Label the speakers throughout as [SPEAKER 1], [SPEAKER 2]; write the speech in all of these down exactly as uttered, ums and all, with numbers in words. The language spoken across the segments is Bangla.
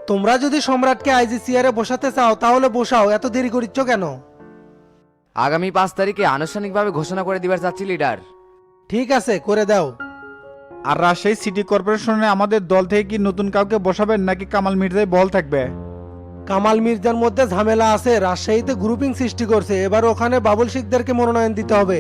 [SPEAKER 1] তোমরা যদি সম্রাটকে আইজি চেয়ারে বসাতে চাও তাহলে বসাও, এত দেরি করিচ্ছ কেন?
[SPEAKER 2] আগামী পাঁচ তারিখে আনুষ্ঠানিকভাবে ঘোষণা করে দিবার চাচ্ছি লিডার।
[SPEAKER 1] ঠিক আছে, করে দাও।
[SPEAKER 3] আর রাজশাহী সিটি কর্পোরেশনে আমাদের দল থেকে কি নতুন কাউকে বসাবেন নাকি কামাল মির্জাই বল থাকবে?
[SPEAKER 1] কামাল মির্জার মধ্যে ঝামেলা আছে, রাজশাহীতে গ্রুপিং সৃষ্টি করছে, এবার ওখানে বাবুল শিকদারকে মনোনয়ন দিতে হবে।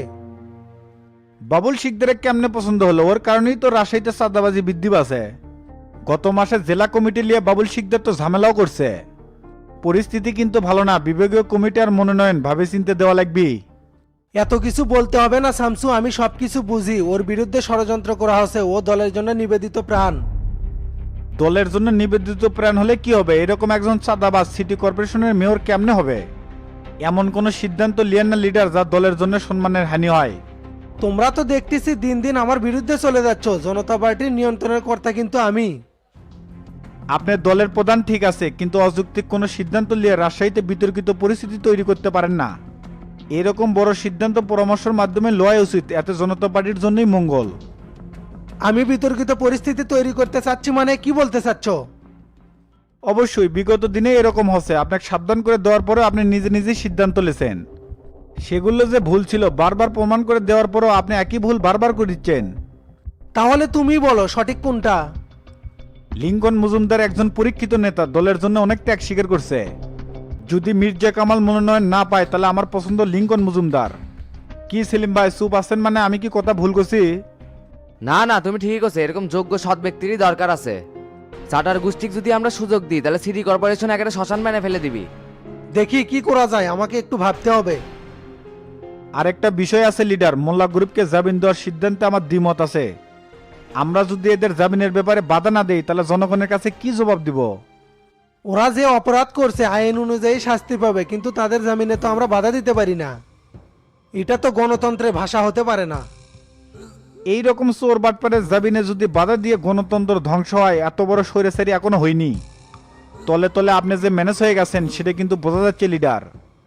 [SPEAKER 3] বাবুল শিকদারের কেমনে পছন্দ হলো? ওর কারণেই তো রাজশাহীতে চাঁদাবাজি বৃদ্ধি পাচ্ছে। গত মাসে জেলা কমিটি নিয়ে বাবুল শিকদার তো ঝামেলাও করছে। পরিস্থিতি কিন্তু ভালো না, বিভাগীয় কমিটি আর মনোনয়ন ভাবে চিনতে দেওয়া লাগবে।
[SPEAKER 1] এত কিছু বলতে হবে না শামসু, আমি সবকিছু বুঝি। ওর বিরুদ্ধে ষড়যন্ত্র করা হচ্ছে, ও দলের জন্য নিবেদিত প্রাণ।
[SPEAKER 3] দলের জন্য নিবেদিত প্রাণ হলে কি হবে? এরকম একজন চাঁদাবাজ সিটি কর্পোরেশনের মেয়র কেমনে হবে? এমন কোন সিদ্ধান্ত লিয়েন না লিডার যা দলের জন্য সম্মানের হানি হয়।
[SPEAKER 1] তোমরা তো দেখতেছি দিন দিন আমার বিরুদ্ধে চলে যাচ্ছ। জনতা পার্টির নিয়ন্ত্রণের কর্তা কিন্তু আমি।
[SPEAKER 3] আপনার দলের প্রধান ঠিক আছে, কিন্তু অযৌক্তিক কোনো সিদ্ধান্ত নিয়ে রাজশাহীতে বিতর্কিত পরিস্থিতি তৈরি করতে পারেন না। এরকম বড় সিদ্ধান্ত পরামর্শের মাধ্যমে লওয়া উচিত, এতে জনতা পার্টির জন্যই মঙ্গল।
[SPEAKER 1] আমি বিতর্কিত পরিস্থিতি তৈরি করতে চাচ্ছি মানে কি বলতে চাচ্ছ?
[SPEAKER 3] অবশ্যই বিগত দিনে এরকম হচ্ছে, আপনাকে সাবধান করে দেওয়ার পরেও আপনি নিজে নিজেই সিদ্ধান্ত নিয়েছেন। সেগুলো যে ভুল ছিল বারবার প্রমাণ করে দেওয়ার পরেও আপনি একই ভুল বারবার করে দিচ্ছেন।
[SPEAKER 1] তাহলে তুমি বলো সঠিক কোনটা?
[SPEAKER 3] লিঙ্কন মজুমদার একজন পরীক্ষিত নেতা, দলের জন্য অনেক ত্যাগ স্বীকার করছে। যদি মির্জা কামাল মনোনয়ন না পায় তাহলে আমার পছন্দ লিঙ্কন মজুমদার। কি সেলিম ভাই চুপ আছেন মানে? আমি কি কথা ভুল করছি?
[SPEAKER 2] না না, তুমি ঠিকই করছো, এরকম যোগ্য সৎ ব্যক্তিরই দরকার আছে। চাটার গোষ্ঠীকে যদি আমরা সুযোগ দিই তাহলে সিটি কর্পোরেশন একটা শ্মশান বানিয়ে ফেলে দিবি।
[SPEAKER 1] দেখি কি করা যায়, আমাকে একটু ভাবতে হবে।
[SPEAKER 3] আরেকটা বিষয় আছে লিডার, মোল্লা গ্রুপকে জামিন দেওয়ার সিদ্ধান্তে আমার দ্বিমত আছে। আমরা যদি এদের জামিনের ব্যাপারে বাধা না দেই তাহলে জনগণের কাছে কি জবাব দিব?
[SPEAKER 1] ওরা যে অপরাধ করছে আইন অনুযায়ী শাস্তি পাবে, কিন্তু তাদের জামিনে তো আমরা বাধা দিতে পারি না। এটা তো গণতন্ত্রের ভাষা হতে পারে না।
[SPEAKER 3] এই রকম চোর বাটপারের জামিনে যদি বাধা দিয়ে গণতন্ত্র ধ্বংস হয়, এত বড় স্বৈরাচারী এখনো হয়নি। তলে তলে আপনি যে ম্যানেজ হয়ে গেছেন সেটা কিন্তু বোঝা যাচ্ছে লিডার।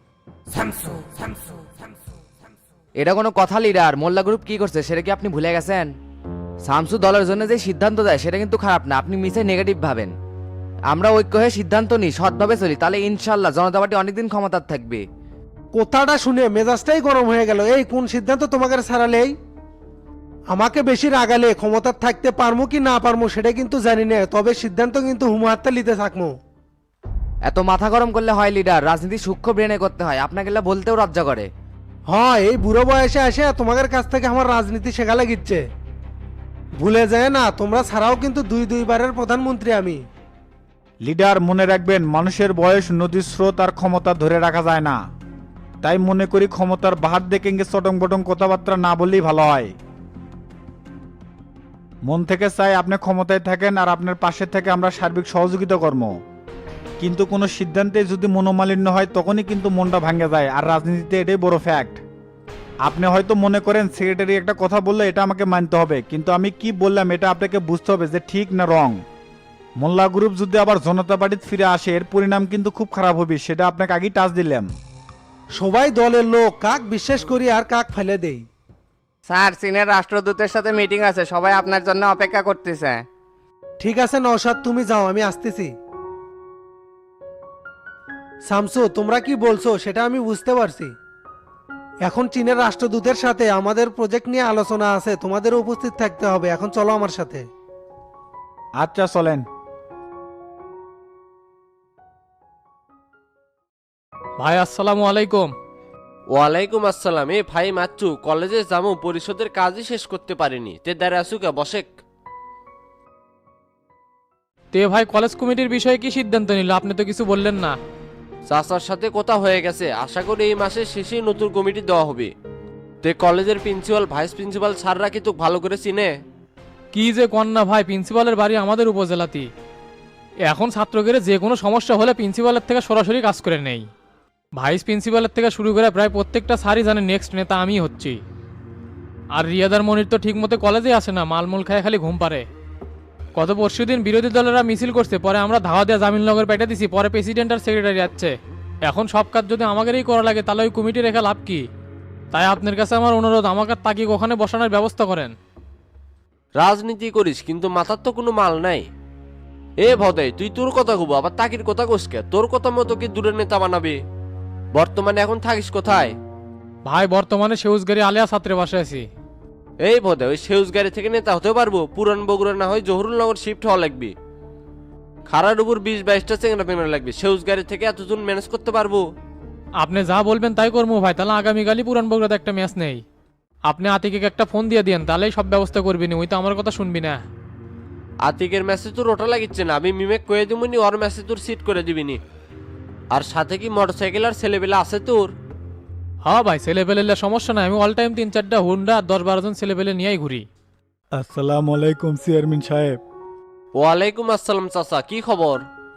[SPEAKER 2] এটা কোনো কথা লিডার? মোল্লা গ্রুপ কি করছে সেটা কি আপনি ভুলে গেছেন? শামসু দলের জন্য যে সিদ্ধান্ত দেয় সেটা কিন্তু খারাপ না, আপনি মিসে নেগেটিভ ভাবেন। আমরা ঐক্য হয়ে সিদ্ধান্ত নিই, সৎভাবে চলি, তাহলে ইনশাল্লাহ জনতা পার্টি অনেকদিন ক্ষমতার থাকবে।
[SPEAKER 1] কথাটা শুনে মেজাজটাই গরম হয়ে গেল। এই কোন সিদ্ধান্ত তোমাকে ছাড়ালেই? আমাকে বেশি রাগালে ক্ষমতার থাকতে পারমু কি না পারমু সেটা কিন্তু জানি না, তবে সিদ্ধান্ত কিন্তু হুমাহাত্তা নিতে থাকবো।
[SPEAKER 2] এত মাথা গরম করলে হয় লিডার? রাজনীতি সূক্ষ্ম ব্রেনে করতে হয়, আপনাকে এগুলা বলতেও লজ্জা করে।
[SPEAKER 1] হ্যাঁ, এই বুড়ো বয়সে এসে তোমাদের কাছ থেকে আমার রাজনীতি শেখা লাগিচ্ছে। ভুলে যায় না, তোমরা ছাড়াও কিন্তু দুই দুইবারের প্রধানমন্ত্রী আমি।
[SPEAKER 3] লিডার মনে রাখবেন, মানুষের বয়স নদীর স্রোত আর ক্ষমতা ধরে রাখা যায় না। তাই মনে করি ক্ষমতার বাহার দেখে চটং বটং কথাবার্তা না বললেই ভালো হয়। মন থেকে চাই আপনি ক্ষমতায় থাকেন আর আপনার পাশে থেকে আমরা সার্বিক সহযোগিতা কর্ম। কিন্তু কোনো সিদ্ধান্তে যদি মনোমালিন্য হয় তখনই কিন্তু মনটা ভাঙে যায়, আর রাজনীতিতে এটাই বড় ফ্যাক্ট। আপনি হয়তো মনে করেন সেক্রেটারি একটা কথা বললে এটা আমাকে মানতে হবে, কিন্তু আমি কি বললাম এটা আপনাকে বুঝতে হবে যে ঠিক না রং। মোল্লা গ্রুপ যদি আবার জনতা পার্টিতে ফিরে আসে এর পরিণাম কিন্তু খুব খারাপ হবে, সেটা আপনাকে আগেই টাচ দিলাম।
[SPEAKER 1] সবাই দলের লোক, কাক বিশ্বাস করি আর কাক ফেলে দেই।
[SPEAKER 4] স্যার, চীনের রাষ্ট্রদূতের সাথে মিটিং আছে, সবাই আপনার জন্য অপেক্ষা করতেছে।
[SPEAKER 1] ঠিক আছে নওশাদ, তুমি যাও, আমি আসতেছি। শামসু, তোমরা কি বলছো সেটা আমি বুঝতে পারছি। এখন চীনের রাষ্ট্রদূতের সাথে আমাদের প্রজেক্ট নিয়ে আলোচনা আছে, তোমাদের উপস্থিত থাকতে হবে। এখন চলো আমার সাথে।
[SPEAKER 3] আচ্ছা চলেন।
[SPEAKER 5] ভাই আসসালামু আলাইকুম।
[SPEAKER 6] ওয়ালাইকুম আসসালাম। এ ভাই মাচ্চু, কলেজে যাবো, পরিষদের কাজই শেষ করতে পারিনি, তে দাঁড়া আসুকা বসেক।
[SPEAKER 5] তে ভাই কলেজ কমিটির বিষয়ে কি সিদ্ধান্ত নিল? আপনি তো কিছু বললেন না।
[SPEAKER 6] চাচার সাথে কথা হয়ে গেছে, আশা করি এই মাসের শেষেই নতুন কমিটি দেওয়া হবে। তে কলেজের প্রিন্সিপাল ভাইস প্রিন্সিপাল স্যাররা কি তোকে ভালো করে চিনে?
[SPEAKER 5] কি যে কন্যা ভাই, প্রিন্সিপালের বাড়ি আমাদের উপজেলাতেই। এখন ছাত্রদের যে কোনো সমস্যা হলে প্রিন্সিপালের থেকে সরাসরি কাজ করে নেই। ভাইস প্রিন্সিপালের থেকে শুরু করে প্রায় প্রত্যেকটা স্যারই জানে নেক্সট নেতা আমি হচ্ছি। আর রিয়াদার মনির তো ঠিক মতো কলেজে আসে না, মালমূল খায় খালি ঘুম পারে। গত পরশুদিন বিরোধী দলেরা মিছিল করছে, পরে আমরা ধাওয়া দেওয়া জামিননগর পেটে দিছি, পরে প্রেসিডেন্ট আর সেক্রেটারি যাচ্ছে। এখন সব কাজ যদি আমাদেরই করা লাগে তাহলে ওই কমিটি রেখে লাভ কি? তাই আপনার কাছে আমার অনুরোধ, আমাকে তাকে ওখানে বসানোর ব্যবস্থা করেন।
[SPEAKER 6] রাজনীতি করিস কিন্তু মাথার তো কোনো মাল নাই। এ ভদাই, তুই তোর কথা কব আবার তাকির কথা কোসকে? তোর কথা মতো কি দূরের নেতা বানাবে? বর্তমানে এখন থাকিস কোথায়?
[SPEAKER 5] ভাই বর্তমানে সেউজগাড়ি আলিয়া ছাত্রে বাসে আছি।
[SPEAKER 6] এই ভদাই, ওই সেউজ গাড়ি থেকে নেতা হতে পারবো? পুরান বগুড়া না হয় জহুরুলনগর শিফট হওয়া লাগবে। খারার উপর বিশ বাইশটা চেংরা পেংরা লাগবে, সেউজ গাড়ি থেকে এতজন ম্যানেজ করতে পারবো?
[SPEAKER 5] আপনি যা বলবেন তাই করবো ভাই, তাহলে আগামীকালই পুরান বগুড়াতে একটা ম্যাচ নেই। আপনি আতিকে একটা ফোন দিয়ে দিন, তাহলেই সব ব্যবস্থা করবি না, ওই তো আমার কথা শুনবি না।
[SPEAKER 6] আতিকের ম্যাচে তোর ওটা লাগিচ্ছে না, আমি মিমেক কয়ে দিবনি, ওর ম্যাচে তোর সিট করে দিবিনি। আর সাথে কি মোটরসাইকেল আর ছেলেবেলা আছে তোর?
[SPEAKER 5] হ্যাঁ ভাই, ছেলে পেলে সমস্যা নাই, আমি অল টাইম তিন চারটা হুন্ডা আর দশ বারো জন ছেলে পেলে নিয়েই ঘুরি।
[SPEAKER 3] আসসালামু আলাইকুম চেয়ারম্যান সাহেব।
[SPEAKER 6] ওয়ালাইকুম আসসালাম চাচা, কি খবর?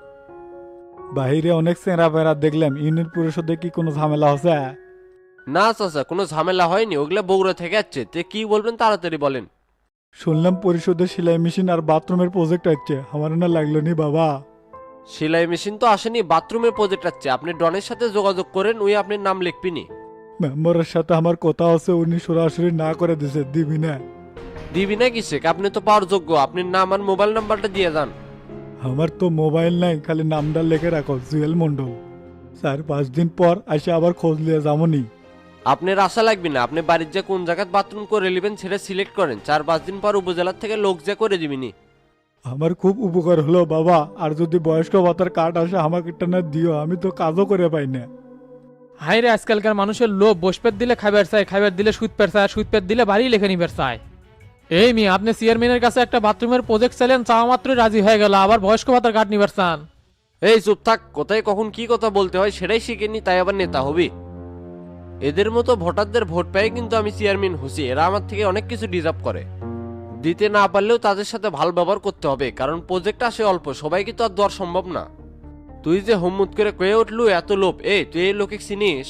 [SPEAKER 3] বাহিরে অনেক চেঁড়া পেঁড়া দেখলাম, ইউনিয়ন পরিষদে কি কোনো ঝামেলা হচ্ছে?
[SPEAKER 6] না চাচা, কোনো ঝামেলা হয়নি, ওগুলা বগুড়া থেকে আসছে। তে কি বলবেন তাড়াতাড়ি বলেন।
[SPEAKER 3] শুনলাম পরিষদে সেলাই মেশিন আর বাথরুমের প্রজেক্ট আছে, আমার না লাগলো নি বাবা।
[SPEAKER 6] সেলাই মেশিন তো আসেনি, বাথরুমের প্রজেক্ট আছে। আপনি ডনের সাথে যোগাযোগ করেন, ওই আপনার নাম লিখবিনি।
[SPEAKER 3] মেম্বারের সাথে আমার কথা আছে, উনি সরাসরি না করে দিছে, দিবি না?
[SPEAKER 6] দিবি না কিসে? আপনি তো পাওয়ার যোগ্য, আপনি নাম আর মোবাইল নাম্বারটা দিয়ে যান।
[SPEAKER 3] আমার তো মোবাইল নাই, খালি নামটা লিখে রাখো জুয়েল মন্ডল। চার পাঁচ দিন পর আসে আবার খোঁজ নিয়ে যাবনি।
[SPEAKER 6] আপনার আশা লাগবে না, আপনি বাড়ির যে কোন জায়গায় বাথরুম করে নেবেন সেটা সিলেক্ট করেন, চার পাঁচ দিন পর উপজেলার থেকে লোক যা করে দিবিনি।
[SPEAKER 3] আমার খুব উপকার হলো বাবা, আর যদি বয়স্ক ভাতার কার্ড আসে আমাকে একটা না দিও, আমি তো কাজও করে পাই না।
[SPEAKER 5] হাই রে, আজকালকার মানুষের লোভ, বসপেট দিলে খাবার চায়, খাবার দিলে সুদ পেট চায়, আর সুদ পেট দিলে বাড়ি লেখে নিবার চায়। এই মি, আপনি চেয়ারম্যানের কাছে একটা বাথরুমের প্রজেক্ট চাইলেন, চাওয়া মাত্রই রাজি হয়ে গেল, আবার বয়স্ক ভাতার কার্ড নিবার চান।
[SPEAKER 6] এই চুপ থাক, কোথায় কখন কি কথা বলতে হয় সেটাই শিখেনি, তাই আবার নেতা হবি? এদের মতো ভোটারদের ভোট পেয়ে কিন্তু আমি চেয়ারম্যান হচ্ছি। এরা আমার থেকে অনেক কিছু ডিজার্ভ করে। দিতে না পারলেও তাদের সাথে ভালো ব্যবহার করতে হবে, কারণ প্রজেক্ট আসে অল্প, সবাইকে তো আর দেওয়ার সম্ভব না। তুই যে হুম্মুত করে কয়ে উঠলু এত লোভ, এই তুই এই লোকে চিনিস?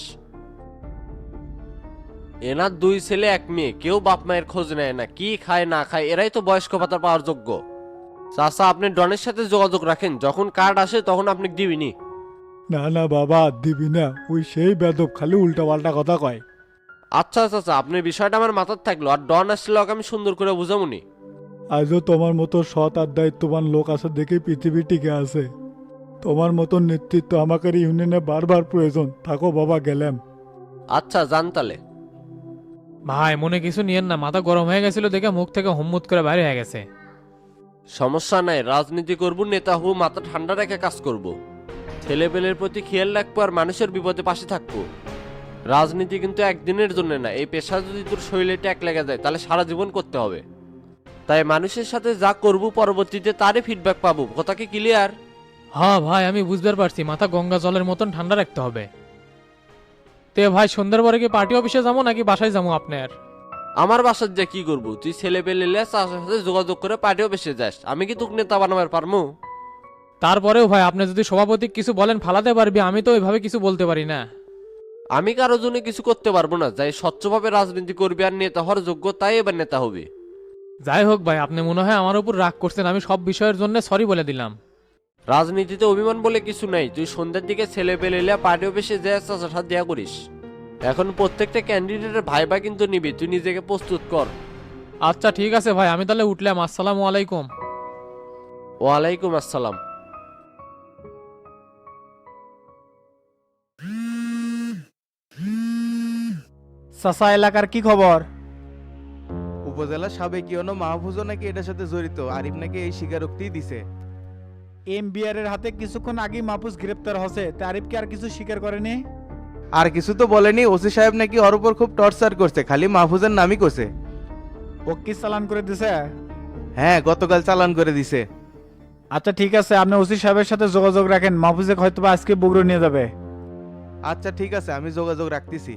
[SPEAKER 6] এনার দুই ছেলে এক মেয়ে, কেউ বাপ মায়ের খোঁজ নেয় না, কি খায় না খায়, এরাই তো বয়স্ক ভাতা পাওয়ার যোগ্য। চাচা, আপনি ডনের সাথে যোগাযোগ রাখেন, যখন কার্ড আসে তখন আপনি দিবিনি।
[SPEAKER 3] না না বাবা, দিবি না, ওই সেই বেদব খালি উল্টা পাল্টা কথা কয়।
[SPEAKER 6] আচ্ছা চাচা, আপনার বিষয়টা আমার মাথার থাকলো, আর ডন আসলে ওকে আমি সুন্দর করে বুঝামুনি।
[SPEAKER 3] আজও তোমার মতো সৎ আর দায়িত্ববান লোক আছে দেখে পৃথিবী টিকে আছে। তোমার মতো নেতৃত্ব আমাকে ইউনিয়নে বারবার প্রয়োজন। থাকো বাবা, গেলাম।
[SPEAKER 6] আচ্ছা, জানতালে।
[SPEAKER 5] ভাই মনে কিছু নিয়েন না, মাথা গরম হয়ে গেছিল দেখে মুখ থেকে হুম্মুত করে বাইরে হয়ে গেছে।
[SPEAKER 6] সমস্যা নাই, রাজনীতি করবো, নেতা হবো, মাথা ঠান্ডা রেখে কাজ করব। ছেলেপেলের প্রতি খেয়াল রাখবো আর মানুষের বিপদে পাশে থাকবো। রাজনীতি কিন্তু একদিনের জন্য না, এই পেশা যদি তোর শরীরে ট্যাক লেগে যায় তাহলে সারা জীবন করতে হবে। তাই মানুষের সাথে যা করবো পরবর্তীতে তারই ফিডব্যাক পাবো। কথা কি ক্লিয়ার?
[SPEAKER 5] হ্যাঁ ভাই, আমি বুঝতে পারছি, মাথা গঙ্গা জলের মতন ঠান্ডা রাখতে হবে। তে ভাই, সন্ধ্যার পরে কি পার্টি অফিসে যাবো নাকি বাসায় যাবো আপনার?
[SPEAKER 6] আমার বাসার যা কি করবো? তুই ছেলে পেলে চাষের সাথে যোগাযোগ করে পার্টিও বেসে যাস, আমি কি তোকে নেতা বানাবার পারবো?
[SPEAKER 5] তারপরেও ভাই, আপনি যদি সভাপতি কিছু বলেন ফালাতে পারবি, আমি তো ওইভাবে কিছু বলতে পারি না।
[SPEAKER 6] আমি কারো জন্য কিছু করতে পারবো না, যাই স্বচ্ছভাবে রাজনীতি করবি আর নেতা হওয়ার যোগ্য তাই এবার নেতা হবে।
[SPEAKER 5] যাই হোক ভাই, আপনি মনে হয় আমার উপর রাগ করছেন, আমি সব বিষয়ের জন্য সরি বলে দিলাম।
[SPEAKER 6] রাজনীতিতে অভিমান বলে কিছু নাই। তুই সন্ধ্যার দিকে ছেলে পেলে পার্টি অফিসে যায় চাচার সাথে দেয়া করিস। এখন প্রত্যেকটা ক্যান্ডিডেটের ভাইবা কিন্তু নিবি, তুই নিজেকে প্রস্তুত কর।
[SPEAKER 5] আচ্ছা ঠিক আছে ভাই, আমি তাহলে উঠলাম। আসসালামু আলাইকুম।
[SPEAKER 6] ওয়ালাইকুম আসসালাম।
[SPEAKER 3] চাচা, এলাকার কি খবর?
[SPEAKER 7] উপজেলা সাবেক ইউনো মাহফুজও নাকি এটার সাথে জড়িত, আরিফ নাকি এই স্বীকারোক্তি দিছে।
[SPEAKER 3] এম বিআর এর হাতে কিছুক্ষণ আগেই মাহফুজ গ্রেপ্তার হচ্ছে, তারিফ কি আর কিছু স্বীকার করেনি?
[SPEAKER 7] আর কিছু তো বলেনি, ওসি সাহেব নাকি ওর উপর খুব টর্চার করছে, খালি মাহফুজের নামই করছে।
[SPEAKER 3] ও কি চালান করে দিছে?
[SPEAKER 7] হ্যাঁ, গতকাল চালান করে দিছে।
[SPEAKER 3] আচ্ছা ঠিক আছে, আপনি ওসি সাহেবের সাথে যোগাযোগ রাখেন, মাহফুজে হয়তো বা আজকে বগুড়া নিয়ে যাবে।
[SPEAKER 7] আচ্ছা ঠিক আছে, আমি যোগাযোগ রাখতেছি।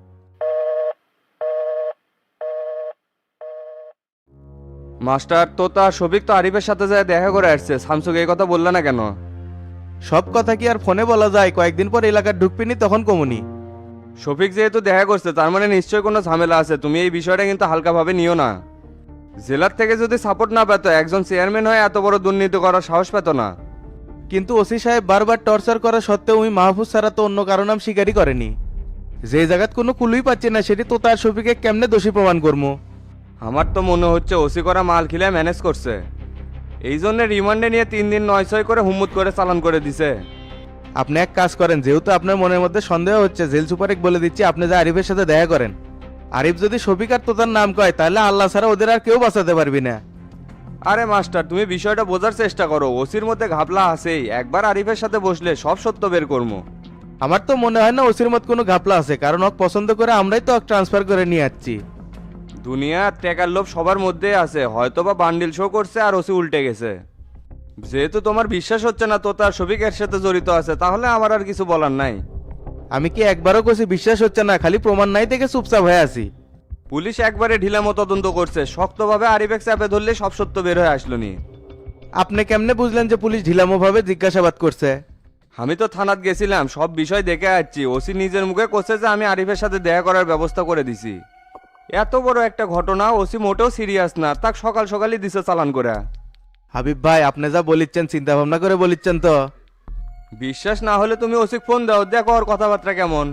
[SPEAKER 8] মাস্টার তোতা শফিক তো আরিফের সাথে যায় দেখা করে আসছে, শামসুকে এই কথা বললে না কেন?
[SPEAKER 7] সব কথা কি আর ফোনে বলা যায়? কয়েকদিন পর এলাকার ঢুকপিনি, তখন কমুনি।
[SPEAKER 8] শফিক যেহেতু দেখা করছে তার মানে নিশ্চয়ই কোনো ঝামেলা আছে, তুমি এই বিষয়টা কিন্তু হালকাভাবে নিও না। জেলার থেকে যদি সাপোর্ট না পেত একজন চেয়ারম্যান হয়ে এত বড় দুর্নীতি করার সাহস পেত না।
[SPEAKER 7] কিন্তু ওসি সাহেব বারবার টর্চার করা সত্ত্বেও ওই মাহফুজ ছাড়া তো অন্য কারো নাম স্বীকারই করেনি। যে জায়গাত কোনো কুলুই পাচ্ছে না, সেটি তো তার শফিকে কেমনে দোষী প্রমাণ করবো?
[SPEAKER 8] আমার তো মনে হচ্ছে ওসি করা মাল খিলে ম্যানেজ করছে। এই জন্য রিমান্ডে নিয়ে তিন দিন নয় ছয় করে হুম্মুত করে চালান করে দিছে।
[SPEAKER 7] আপনি এক কাজ করেন, যেহেতু আপনার মনের মধ্যে সন্দেহ হচ্ছে, জেল সুপারেক বলে দিচ্ছি আপনি যে আরিফের সাথে দেখা করেন। আরিফ যদি শফিক আর তোতার নাম কয় তাহলে আল্লাহ ছাড়া ওদের আর কেউ বাঁচাতে পারবি না।
[SPEAKER 8] আরে মাস্টার, তুমি বিষয়টা বোঝার চেষ্টা করো। ওসির মধ্যে ঘাপলা আছেই, একবার আরিফের সাথে বসলে সব সত্য বের করবো।
[SPEAKER 7] আমার তো মনে হয় না ওসির মত কোনো ঘাপলা আছে, কারণ ওক পছন্দ করে আমরাই তো ট্রান্সফার করে নিয়ে যাচ্ছি।
[SPEAKER 8] দুনিয়ার টেকার লোভ সবার মধ্যে আছে, হয়তো বা বান্ডিল শো করছে আর ওসি উল্টে গেছে। যেহেতু তোমার বিশ্বাস হচ্ছে না তোতা শফিকের সাথে জড়িত আছে, তাহলে আমার আর কিছু বলার নাই।
[SPEAKER 7] আমি কি একবারও কছি বিশ্বাস হচ্ছে না, খালি প্রমাণ নাই থেকে চুপচাপ হয়ে আছি।
[SPEAKER 8] পুলিশ একবারে ঢিলামো তদন্ত করছে, শক্তভাবে আরিফেক চাপে ধরলে সব সত্য বের হয়ে আসলো নি।
[SPEAKER 7] আপনি কেমনে বুঝলেন যে পুলিশ ঢিলামো ভাবে জিজ্ঞাসাবাদ করছে?
[SPEAKER 8] আমি তো থানাত গেছিলাম, সব বিষয় দেখে আসছি। ওসি নিজের মুখে করছে যে আমি আরিফের সাথে দেখা করার ব্যবস্থা করে দিছি। এত বড় একটা ঘটনা, ওসি মোটেও সিরিয়াস না, তাক সকাল সকালই দিছে চালান করে।
[SPEAKER 7] হাবিব ভাই, আপনি যা বলিচ্ছেন চিন্তা ভাবনা করে বলিচ্ছেন তো?
[SPEAKER 8] বিশ্বাস না হলে তুমি ওসিক ফোন দাও, দেখো ওর কথাবার্তা কেমন।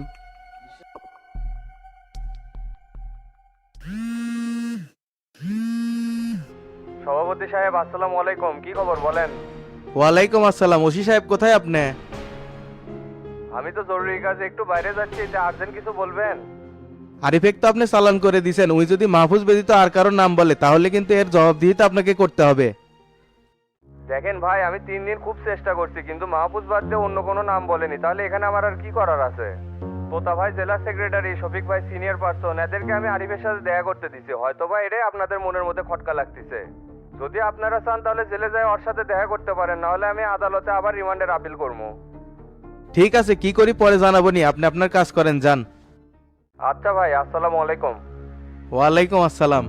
[SPEAKER 8] সভাপতি সাহেব আসসালামু আলাইকুম, কি খবর বলেন?
[SPEAKER 7] ওয়ালাইকুম আসসালাম। ওসি সাহেব কোথায় আপনি?
[SPEAKER 8] আমি তো জরুরি কাজে একটু বাইরে যাচ্ছি, যে আর্জেন্ট কিছু বলবেন?
[SPEAKER 7] আরিফেক তো আপনি চালান করে দিয়েছেন, উনি যদি মাহফুজ ব্যতীত আর কারোর নাম বলে তাহলে কিন্তু এর জবাবদিহিতা আপনাকে করতে হবে।
[SPEAKER 8] দেখেন ভাই, আমি তিন দিন খুব চেষ্টা করছি, কিন্তু মাহফুজ বাদ দিয়ে অন্য কোনো নাম বলেনি। তাহলে এখানে আমার আর কি করার আছে? তোতা ভাই জেলা সেক্রেটারি, শফিক ভাই সিনিয়র পার্সন, এদেরকে আমি আরিফের সাথে দেখা করতে দিছি। হয়তো বা এটাই আপনাদের মনের মধ্যে খটকা লাগতেছে। যদি আপনারা চান তাহলে জেলে যায় ওর সাথে দেখা করতে পারেন, নাহলে আমি আদালতে আবার রিমান্ডের আপিল করবো।
[SPEAKER 7] ঠিক আছে, কি করি পরে জানাবো নি, আপনি আপনার কাজ করেন, যান।
[SPEAKER 8] আচ্ছা ভাই, আসসালামু আলাইকুম।
[SPEAKER 7] ওয়ালাইকুম আসসালাম।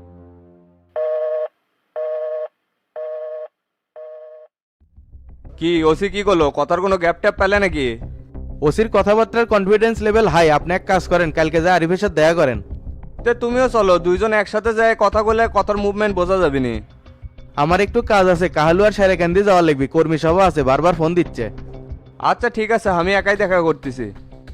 [SPEAKER 8] কি ওসি কি করলো? কথার কোনো গ্যাপ ট্যাপ পেলে নাকি?
[SPEAKER 7] ওসির কথাবার্তার কনফিডেন্স লেভেল হাই। আপনি এক কাজ করেন, কালকে যা আরিফের সাথে দেখা করেন।
[SPEAKER 8] তে তুমিও চলো, দুইজন একসাথে যায় কথা বলে কথার মুভমেন্ট বোঝা যাবে নি।
[SPEAKER 7] আমার একটু কাজ আছে, কাহালু আর সারেকান্দি যাওয়া লাগবে, কর্মী সভা আছে, বারবার ফোন দিচ্ছে।
[SPEAKER 8] আচ্ছা ঠিক আছে, আমি একাই দেখা করতেছি।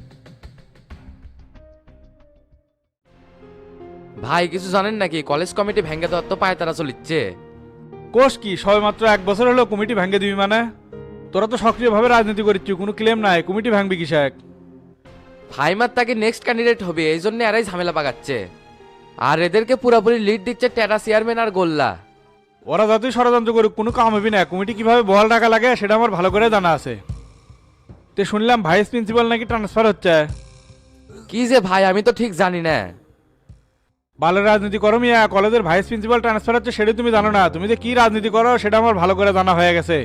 [SPEAKER 2] ভাই কিছু জানেন নাকি, কলেজ কমিটি ভেঙে দেওয়ার তো পায় তারা চলিচ্ছে।
[SPEAKER 3] কোষ কি সবে মাত্র এক বছর হলো কমিটি ভাঙ্গে দিবি মানে? তোরা তো সক্রিয়ভাবে রাজনীতি করিচ্ছি, কোনো ক্লেম নাই, কমিটি ভাঙবি কিসেক?
[SPEAKER 2] ফাইমার তাকে নেক্সট ক্যান্ডিডেট হবে, এই জন্য এরাই ঝামেলা পাকাচ্ছে। আর এদেরকে পুরোপুরি লিড দিচ্ছে টেরা চেয়ারম্যান আর গোল্লা।
[SPEAKER 3] ওরা যতই ষড়যন্ত্র করুক কোনো কাম হবে না। কমিটি কিভাবে বহাল রাখা লাগে সেটা আমার ভালো করে জানা আছে। তে শুনলাম ভাইস প্রিন্সিপাল নাকি ট্রান্সফার হচ্ছে।
[SPEAKER 2] কি যে ভাই, আমি তো ঠিক জানি না।
[SPEAKER 3] ভালো রাজনীতি করো মিয়া, কলেজের ভাইস প্রিন্সিপাল ট্রান্সফার হচ্ছে সেটা তুমি জানো না? তুমি যে কি রাজনীতি করো সেটা আমার ভালো করে জানা হয়ে গেছে।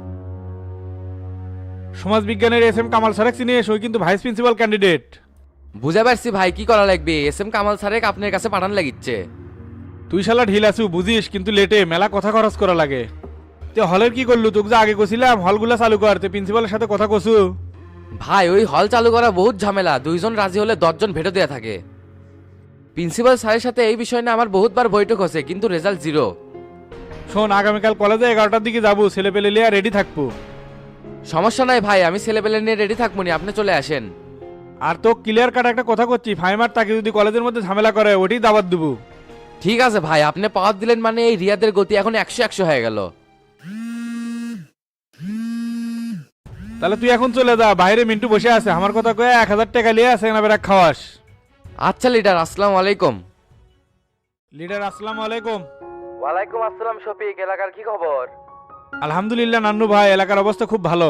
[SPEAKER 3] সমাজ বিজ্ঞানের এস এম কামাল সারেক চিনি, সই কিন্তু ভাইস প্রিন্সিপাল ক্যান্ডিডেট।
[SPEAKER 2] বুঝে পারছি ভাই, কি করা লাগবে? এস এম কামাল স্যারেক আপনার কাছে পাঠান লাগিচ্ছে।
[SPEAKER 3] তুই শালা ঢিল আছু বুঝিস, কিন্তু লেটে মেলা কথা খরচ করা লাগে। তে হলের কি করলু? তোকে যে আগে কছিলাম হলগুলা চালু করতে, প্রিন্সিপালের সাথে কথা কছু?
[SPEAKER 2] ভাই ওই হল চালু করা বহুত ঝামেলা, দুইজন রাজি হলে দশজন ভেটো দেয়া থাকে। প্রিন্সিপাল স্যারের সাথে এই বিষয় নিয়ে আমার বহুতবার বৈঠক হচ্ছে, কিন্তু রেজাল্ট জিরো।
[SPEAKER 3] শোন, আগামীকাল কলেজে এগারোটার দিকে যাবো, ছেলে পেলে লিয়া রেডি থাকবো।
[SPEAKER 2] সমস্যা নাই ভাই, আমি ছেলেপেলে নিয়ে রেডি থাকবো নি, আপনি চলে আসেন।
[SPEAKER 3] আর তো ক্লিয়ার কাট একটা কথা করছি, ফাইমার তাকে যদি কলেজের মধ্যে ঝামেলা করে ওটি দাবাত দেবো।
[SPEAKER 2] ঠিক আছে ভাই, আপনি পাওয়ার দিলেন মানে এই রিয়াদের গতি এখন একশো একশো হয়ে গেল।
[SPEAKER 3] তাহলে তুই এখন চলে যা, বাইরে মিন্টু বসে আছে, আমার কথা কয়ে এক হাজার টাকা লিয়ে আছে না বেড়া খাওয়াস।
[SPEAKER 2] আচ্ছা লিডার, আসসালামু আলাইকুম।
[SPEAKER 3] লিডার আসসালামু আলাইকুম।
[SPEAKER 2] ওয়ালাইকুম আসসালাম শফিক, এলাকার কি খবর?
[SPEAKER 3] আলহামদুলিল্লাহ নান্নু ভাই, এলাকার অবস্থা খুব ভালো।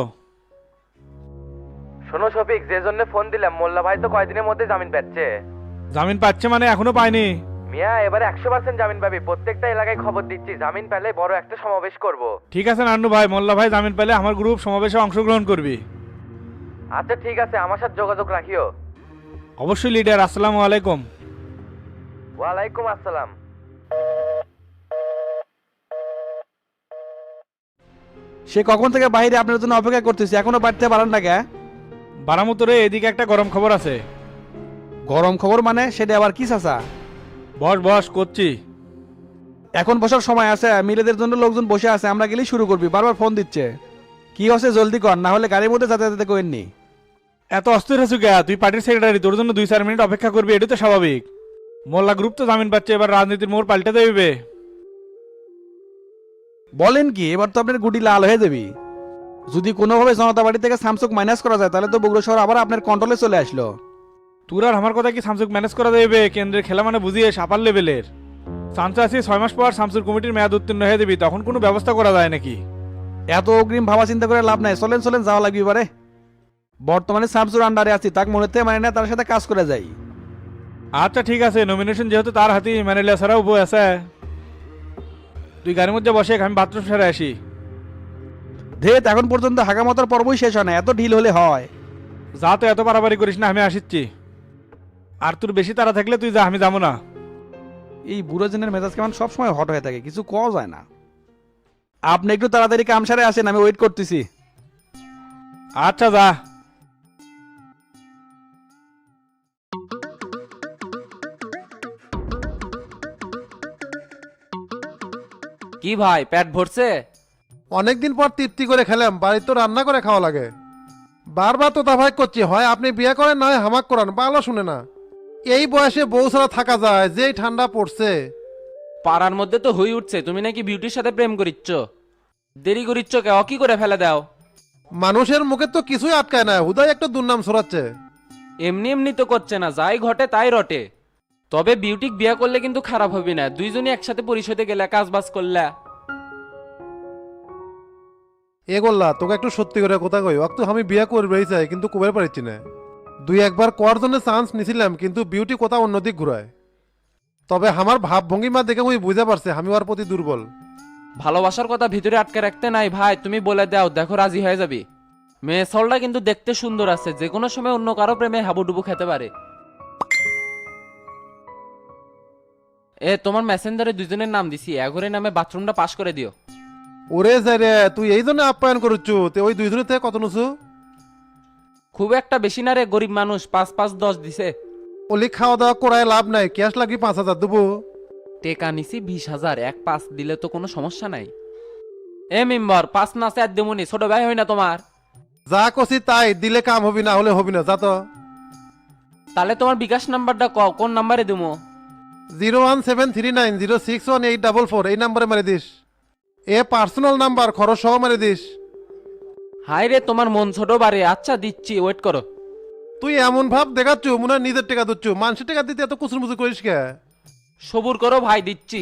[SPEAKER 2] শোনো শফিক, যে জন্য ফোন দিলাম, মোল্লা ভাই তো কয়দিনের মধ্যে জামিন পাচ্ছে।
[SPEAKER 3] জামিন পাচ্ছে মানে? এখনো পায়নি।
[SPEAKER 2] মিয়া এবারে একশো পার্সেন্ট জামিন পাবি, প্রত্যেকটা এলাকায় খবর দিচ্ছি, জামিন পেলে বড় একটা সমাবেশ করব।
[SPEAKER 3] ঠিক আছে নান্নু ভাই, মোল্লা ভাই জামিন পেলে আমার গ্রুপ সমাবেশে অংশগ্রহণ করবি।
[SPEAKER 2] আচ্ছা ঠিক আছে, আমার সাথে যোগাযোগ রাখিও।
[SPEAKER 3] অবশ্যই লিডার, আসসালামু আলাইকুম।
[SPEAKER 2] ওয়ালাইকুম আসসালাম।
[SPEAKER 1] সে কখন থেকে বাইরে আপনার জন্য অপেক্ষা করতেছি, এখনো বাড়তে পারেন না কে?
[SPEAKER 3] বারামুতরে এদিকে একটা গরম খবর আছে।
[SPEAKER 1] গরম খবর মানে? সেটা আবার কি চাচা?
[SPEAKER 3] বস বস করছি।
[SPEAKER 1] এখন বসার সময় আছে? মিলেদের জন্য লোকজন বসে আছে, আমরা গেলেই শুরু করবি, বারবার ফোন দিচ্ছে। কি হচ্ছে জলদি কর, না হলে গাড়ির মধ্যে যাতায়াত করেননি।
[SPEAKER 3] এত অস্থির হয়েছু কে? তুই পার্টির সেক্রেটারি, তোর জন্য দুই চার মিনিট অপেক্ষা করবি, এটা তো স্বাভাবিক। মোল্লা গ্রুপ তো জামিন পাচ্ছে, এবার রাজনীতির মোড় পাল্টে দেবে।
[SPEAKER 9] বলেন কি, এবার তো আপনার গুটি লাল হয়ে যাবি। যদি কোনোভাবে জনতা পার্টি থেকে স্যামসুং মাইনাস করা যায় তাহলে তো বগুড়া শহর আবার আপনার কন্ট্রোলে চলে আসলো।
[SPEAKER 3] তোর আর আমার কথা কি স্যামসুং ম্যানেজ করা যাবে? কেন্দ্রের খেলা মানে বুঝিয়ে সাপার লেভেলের চান্স আছে। ছয় মাস পর স্যামসুং কমিটির মেয়াদ উত্তীর্ণ হয়ে যাবি, তখন কোনো ব্যবস্থা করা যায় নাকি?
[SPEAKER 9] এত অগ্রিম ভাবা চিন্তা করে লাভ নাই, চলেন চলেন যাওয়া লাগবে এবারে। বর্তমানে স্যামসুং আন্ডারে আছি, তাকে মনে হতে মানে না তার সাথে কাজ করে যাই।
[SPEAKER 3] আচ্ছা ঠিক আছে, নমিনেশন যেহেতু তার হাতেই মানে ছাড়া উপায় আছে। তুই গাড়ির মধ্যে বসে, আমি বাথরুম সেরে আসি।
[SPEAKER 9] ধেত এখন পর্যন্ত হাগামতার পর্বই শেষ হয় না, এত ঢিল হলে হয়?
[SPEAKER 3] যা তো এত বাড়াবাড়ি করিস না, আমি আসিচ্ছি। আর তোর বেশি তাড়া থাকলে তুই যা, আমি যাবো না।
[SPEAKER 9] এই বুড়ো জনের মেজাজ কেমন সবসময় হট হয়ে থাকে, কিছু কওয়া যায় না। আপনি একটু তাড়াতাড়ি কাম সারে আসেন, আমি ওয়েট করতেছি।
[SPEAKER 3] আচ্ছা যা।
[SPEAKER 6] কি ভাই পেট ভরছে?
[SPEAKER 10] অনেকদিন পর তৃপ্তি করে খেলাম, বাড়িতে তো রান্না করে খাওয়া লাগে। বারবার তো তাভাই করছি, হয় আপনি বিয়ে করেন না হয় হামাক করান, ভালো শুনে না। এই বয়সে বউ ছাড়া থাকা যায়, যেই ঠান্ডা পড়ছে।
[SPEAKER 6] পাড়ার মধ্যে তো হই উঠছে তুমি নাকি বিউটির সাথে প্রেম করিচ্ছ। দেরি করিচ্ছ কে? অ কি করে ফেলে দাও?
[SPEAKER 10] মানুষের মুখে তো কিছুই আটকায় না, হুদাই একটা দুর্নাম ছড়াচ্ছে।
[SPEAKER 6] এমনি এমনি তো করছে না, যাই ঘটে তাই রটে। তবে বিউটিক বিয়ে করলে কিন্তু খারাপ হবে না, দুইজনই একসাথে পরিষদে গেলে কাজ বাজ করলে।
[SPEAKER 10] এ গোল্লা তোকে একটু সত্যি করে কথা কই, অক্ত আমি বিয়ে করবেই চাই কিন্তু কবে পারছি না। দুই একবার কর জন্য চান্স নিছিলাম, কিন্তু বিউটি কথা অন্যদিক ঘুরায়। তবে আমার ভাব ভঙ্গিমা দেখে আমি বুঝতে পারছি আমি ওর প্রতি দুর্বল।
[SPEAKER 6] ভালোবাসার কথা ভিতরে আটকে রাখতে নাই ভাই, তুমি বলে দাও, দেখো রাজি হয়ে যাবি। মেয়ে সলটা কিন্তু দেখতে সুন্দর আছে, যে কোনো সময় অন্য কারো প্রেমে হাবুডুবু খেতে পারে। এ তোমার মেসেঞ্জারে দুজনের নাম দিছি, এগোরে নামে বাথরুমটা পাস করে দিও।
[SPEAKER 10] ওরে যাই রে, তুই এই জন্য আপ্যায়ন করছু, তে ওই দুইজনের থেকে কত নুছু?
[SPEAKER 6] খুব একটা বেশি না রে, গরিব মানুষ, পাঁচ পাঁচ দশ দিছে।
[SPEAKER 10] ওলি খাওয়া দাওয়া করায় লাভ নাই, ক্যাশ লাগি পাঁচ হাজার দেবো।
[SPEAKER 6] টেকা নিছি বিশ হাজার, এক পাঁচ দিলে তো কোনো সমস্যা নাই। এ মেম্বার পাঁচ না চার দেমনি, ছোট ভাই হয় না তোমার?
[SPEAKER 10] যা কছি তাই দিলে কাম হবি না হলে হবি না, যা তো।
[SPEAKER 6] তাহলে তোমার বিকাশ নাম্বারটা কও, কোন নাম্বারে দেবো?
[SPEAKER 10] Zero one seven three nine zero six one eight double four এই নাম্বারে মারি দিস। এ পার্সোনাল নাম্বার, খরচ সহ মারি দিস।
[SPEAKER 6] হাই রে, তোমার মন ছোট বাড়ে। আচ্ছা দিচ্ছি, ওয়েট করো।
[SPEAKER 10] তুই এমন ভাব দেখাচ্ছু মনে হয় নিজের টাকা দিচ্ছু, মানুষের টাকা দিতে এত কুচুর মুচুর করিস কে?
[SPEAKER 6] সবুর করো ভাই, দিচ্ছি।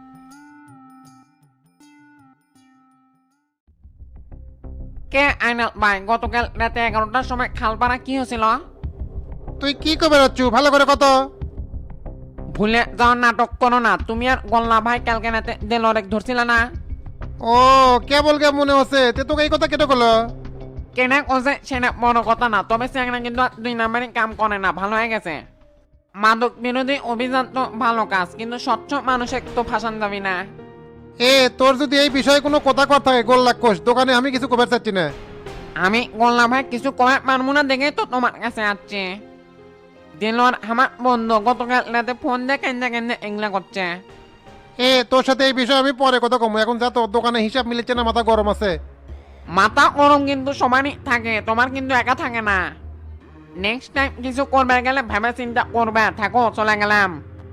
[SPEAKER 4] কে আইনাল ভাই, গতকাল রাতে এগারোটার সময় খালপাড়া কি হয়েছিল?
[SPEAKER 10] তুই কি কবে যাচ্ছু ভালো করে কত?
[SPEAKER 4] ভুলে যাওয়ার নাটক করো না। তুমি আর গোল্লা ভাই কালকে রাতে দেলরেক ধরছিল না?
[SPEAKER 10] ও কেবল কে মনে হচ্ছে, তে তোকে এই কথা কেটে করলো?
[SPEAKER 4] কেনা কোসে সেটা বড় কথা না, তবে সেখানে কিন্তু আর দুই নাম্বারই কাম করে না, ভালো হয়ে গেছে। মাদক বিরোধী অভিযান তো ভালো কাজ, কিন্তু স্বচ্ছ মানুষের তো ফাঁসান যাবি না।
[SPEAKER 10] এ তোর যদি এই বিষয়ে কোনো কথা কর থাকে গোল লাক্ষস, দোকানে আমি কিছু কবে চাচ্ছি না।
[SPEAKER 4] আমি গোল্লা ভাই কিছু কমে পারবো না দেখে তো তোমার কাছে আসছে। দিলর আমার বন্ধু গতকাল রাতে ফোন দিয়ে কেন্দে কেন্দে এগুলা করছে।
[SPEAKER 10] এ তোর সাথে এই বিষয়ে আমি পরে কথা কমু, এখন যা, তোর দোকানে হিসাব মিলেছে না, মাথা গরম আছে।
[SPEAKER 4] মাথা গরম কিন্তু সমানই থাকে, তোমার কিন্তু একা থাকে না। নেক্সট টাইম কিছু করবে গেলে ভেবে চিন্তা করবে। থাকো, চলে গেলাম।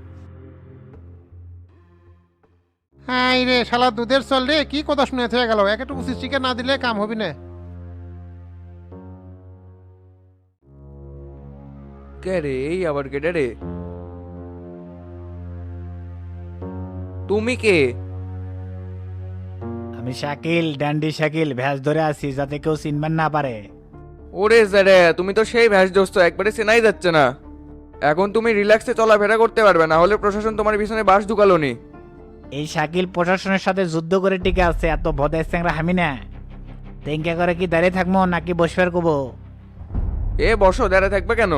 [SPEAKER 10] হ্যাঁ রে শালা দুধের চল রে, কি কথা শুনে থেকে গেল, একটু চিকেন না দিলে কাম হবি না।
[SPEAKER 7] কে রে, এই আবার কেটে রে? তুমি কে?
[SPEAKER 3] আমি শাকিল, ড্যান্ডি শাকিল, ভ্যাস ধরে আছি যাতে কেউ চিনবেন না পারে।
[SPEAKER 7] ওরে স্যারে, তুমি তো সেই ভ্যাস দোস্ত, একবারে চেনাই যাচ্ছে না। এখন তুমি রিল্যাক্সে চলাফেরা করতে পারবে না, হলে প্রশাসন তোমার পিছনে বাস ঢুকালো নি।
[SPEAKER 3] এই শাকিল প্রশাসনের সাথে যুদ্ধ করে টিকে আছে, এত ভদের স্যাংরা হামি না। তেঙ্কা করে কি দাঁড়িয়ে থাকবো নাকি বসবার কবো?
[SPEAKER 7] এ বসো, দাঁড়ায় থাকবে কেন?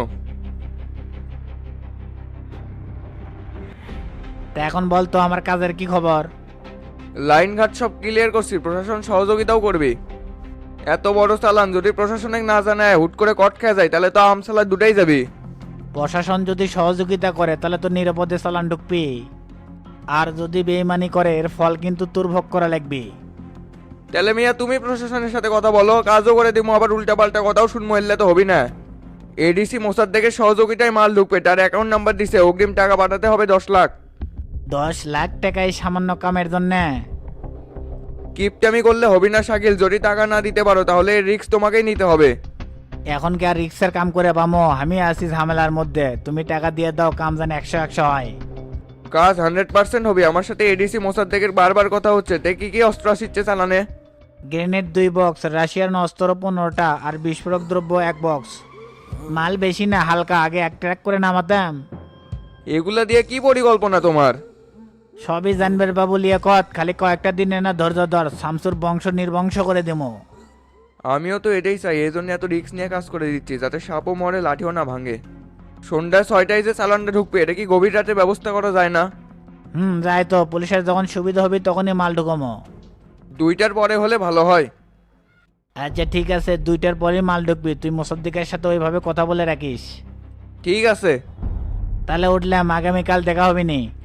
[SPEAKER 3] তা এখন বল তো আমার কাজের কি খবর?
[SPEAKER 7] লাইন ঘাট সব ক্লিয়ার করছি, প্রশাসন সহযোগিতাও করবে। এত বড় চালান যদি প্রশাসনিক না জানায় হুট করে কট খেয়ে যায়, তাহলে তো আমসালা দুটাই যাবে।
[SPEAKER 3] প্রশাসন যদি সহযোগিতা করে তাহলে তো নিরাপদে চালান ঢুকবি, আর যদি বেইমানি করে এর ফল কিন্তু তোর ভোগ করা লাগবে।
[SPEAKER 7] তাহলে মিয়া তুমি প্রশাসনের সাথে কথা বলো, কাজও করে দিব, আবার উল্টা পাল্টা কথাও শুনবো, এলে তো হবি না। এডিসি মোসাদ থেকে সহযোগিতায় মাল ঢুকবে, তার অ্যাকাউন্ট নাম্বার দিছে, অগ্রিম টাকা পাঠাতে হবে দশ লাখ।
[SPEAKER 3] দশ লাখ টাকা এই সামান্য কামের জন্য?
[SPEAKER 7] কিপটামি করলে হবি না শাকিল, যদি টাকা না দিতে পারো তাহলে রিস্ক তোমাকেই নিতে হবে।
[SPEAKER 11] এখন কি আর রিক্সের কাম করে পামো? আমি আছি ঝামেলার মধ্যে, তুমি টাকা দিয়ে দাও, কাম জানি একশো একশো হয়।
[SPEAKER 7] কাজ হান্ড্রেড পার্সেন্ট হবে। আমার সাথে এডিসি মোসাদ্দেকের বারবার কথা হচ্ছে, তে কি কি অস্ত্র আসছে চালানে?
[SPEAKER 11] গ্রেনেড দুই বক্স, রাশিয়ান অস্ত্র পনেরোটা, আর বিস্ফোরক দ্রব্য এক বক্স। মাল বেশি না, হালকা, আগে এক ট্র্যাক করে নামাতাম।
[SPEAKER 7] এগুলা দিয়ে কি পরিকল্পনা তোমার?
[SPEAKER 11] সবই জানবের বাবু লিয়ে কত, খালি কয়েকটা দিনে না ধৈর্য ধর, শামসুর বংশ নির্বংশ করে দেবো।
[SPEAKER 7] আমিও তো এটাই চাই, এই জন্য এত রিস্ক নিয়ে কাজ করে দিচ্ছি, যাতে সাপও মরে লাঠিও না ভাঙে। সন্ধ্যায় ছয়টায় যে চালানটা ঢুকবে, এটা কি গভীর রাতে ব্যবস্থা করা যায় না?
[SPEAKER 11] হুম, যাই তো, পুলিশের যখন সুবিধা হবে তখনই মাল ঢুকমো।
[SPEAKER 7] দুইটার পরে হলে ভালো হয়।
[SPEAKER 11] আচ্ছা ঠিক আছে, দুইটার পরেই মাল ঢুকবি, তুই মোসাদ্দিকের সাথে ওইভাবে কথা বলে রাখিস।
[SPEAKER 7] ঠিক আছে।
[SPEAKER 11] তাহলে উঠলাম, আগামীকাল দেখা হবে নি।